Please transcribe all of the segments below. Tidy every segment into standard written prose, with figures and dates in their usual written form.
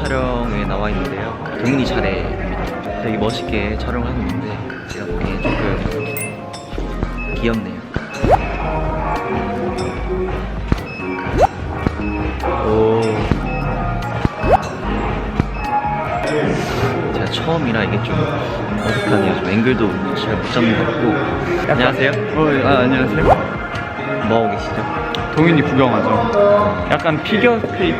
촬영에 나와 있는데요. 동민이 차례입니다. 되게 멋있게 촬영을 하고 있는데 제가 보기엔 조금 귀엽네요. 오. 제가 처음이라 이게 좀 어색하네요. 좀 앵글도 잘 못 잡는 것 같고. 안녕하세요. 안녕하세요. 뭐 하고 계시죠? 동윤이 구경하죠. 약간 피겨 스케이팅.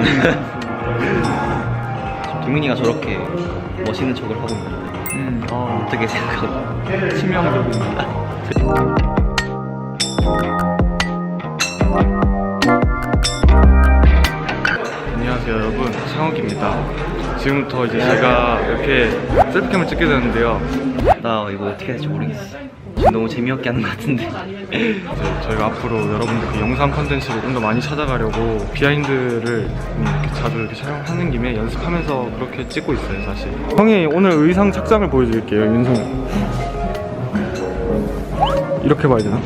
동민이가 저렇게 멋있는 척을 하고 있는데 어떻게 생각하고? 치명적입니다. 안녕하세요 여러분, 상욱입니다. 지금부터 이제 제가 이렇게 셀프캠을 찍게 되는데요. 나 이거 어떻게 해야 될지 모르겠어. 지금 너무 재미없게 하는 것 같은데. 이제 저희가 앞으로 여러분들 영상 컨텐츠를 좀 더 많이 찾아가려고 비하인드를 이렇게 자주 이렇게 촬영하는 김에 연습하면서 그렇게 찍고 있어요 사실. 형이 오늘 의상 착장을 보여드릴게요. 윤성 이렇게 봐야 되나?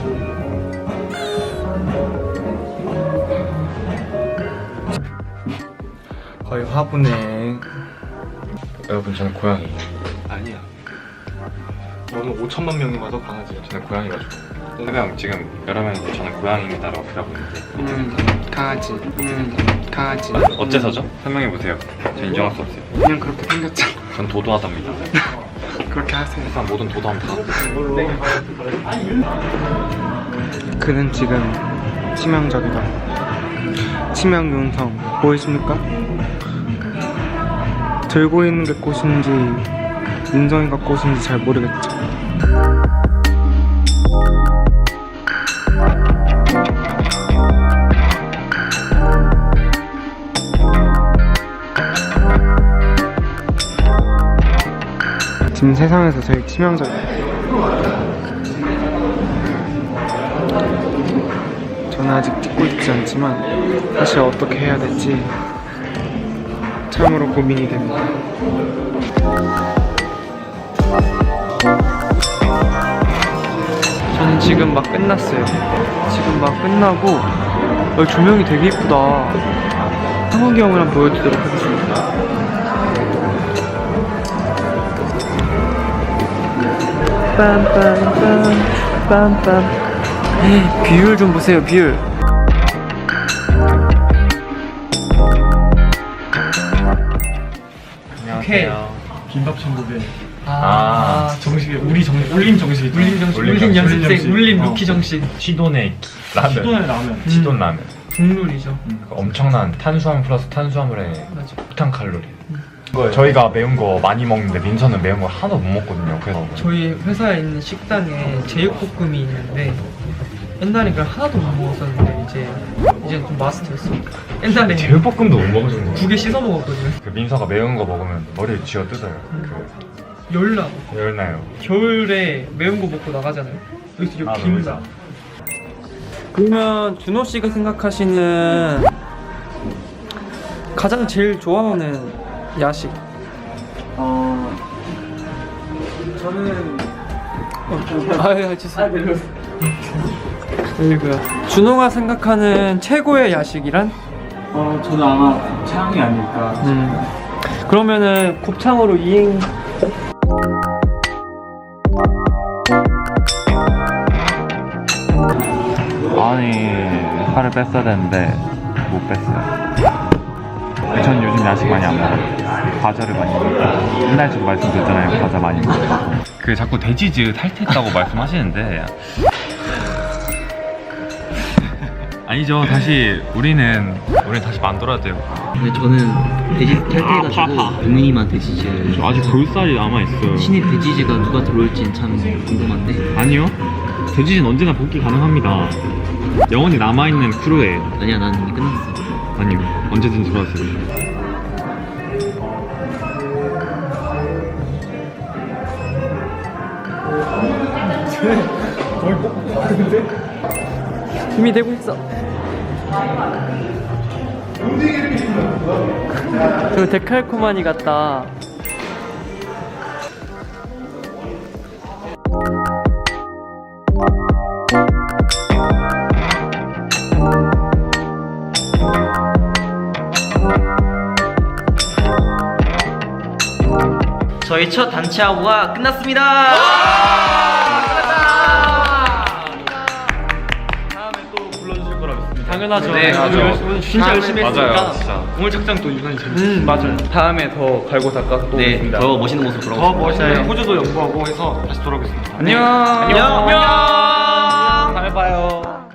거의 화분에. 여러분 저는 고양이. 아니야, 너는 5천만 명이 와도 강아지야. 저는 고양이가 좋아요. 해명 지금 여러 명이 저는 고양이입니다라고 표하고 있는데 강아지. 강아지. 어째서죠? 설명해 보세요. 저 인정할 수 없어요. 그냥 그렇게 생겼잖아. 전 도도하답니다. 그렇게 하세요. 세상 모든 도도함 다. 그는 지금 치명적이다. 치명 윤성 보이십니까? 들고 있는 게 꽃인지 윤성이가 꽃인지 잘 모르겠죠. 지금 세상에서 제일 치명적이에요. 저는 아직 찍고 있지 않지만 사실 어떻게 해야 될지 참으로 고민이 됩니다. 저는 지금 막 끝났어요. 지금 막 끝나고 조명이 되게 이쁘다. 상욱이 형을 한번 보여드리도록 하겠습니다. 빰빰빰 비율 좀 보세요. 비율. 안녕하세요. 김밥 천국에 정식이 울림 정식이 울림 연습생 울림 루키 정식 치돈의 라면. 시돈의 라면. 치돈 라면. 국룰이죠. 그 엄청난 탄수화물 플러스 탄수화물의 맞아. 폭탄 칼로리. 저희가 매운 거 많이 먹는데 민서는 매운 거 하나도 못 먹거든요. 그래서 저희 회사에 있는 식당에 제육볶음이 있는데 옛날에 그걸 하나도 못 먹었었는데 이제 좀 마스터했어. 옛날에 제육볶음도 못 먹으시는 두 개 씻어 먹었거든요. 그 민서가 매운 거 먹으면 머리를 쥐어 뜯어요. 열나. 열나요. 겨울에 매운 거 먹고 나가잖아요. 여기서 이렇게 김나. 그러면 준호 씨가 생각하시는 가장 제일 좋아하는 야식? 저는 아유 죄송해요. 아이고야. 준호가 생각하는 최고의 야식이란? 저는 아마 곱창이 아닐까. 그러면은 곱창으로 이행. 아니 살을 뺐어야 되는데 못 뺐어요. 전 요즘 야식 많이 안 먹어요. 과자를 많이 먹어요. 옛날에도 말씀드렸잖아요. 과자 많이 먹어요. 그 자꾸 돼지즈 탈퇴했다고 말씀하시는데 아니죠. 다시 우리는 다시 만들어야 돼요. 근데 저는 돼지 탈퇴해가지고 동민이만 돼지즈. 저 아직 볼살이 남아있어요. 신입 돼지즈가 누가 들어올진 참 궁금한데. 아니요. 돼지즈는 언제나 복귀 가능합니다. 영원히 남아있는 크루예요. 아니야, 난 이미 끝났어. 아니요. 언제든 들어왔어요. 힘이 되고 있어. 저 데칼코마니 같다. 저희 첫 단체 하고가 끝났습니다. 다음에 또 불러주실 거라 믿습니다. 당연하죠. 네, 오늘 진짜 열심히 했으니까. 맞아요, 진짜. 오늘 착장 또 유난히 재밌었어요. 맞아요. 다음에 더 갈고 닦아서 또 네, 오겠습니다. 더 멋있는 모습 더 돌아오겠습니다. 멋있는 호주도 연구하고 해서 다시 돌아오겠습니다. 안녕. 안녕. 다음에 봐요.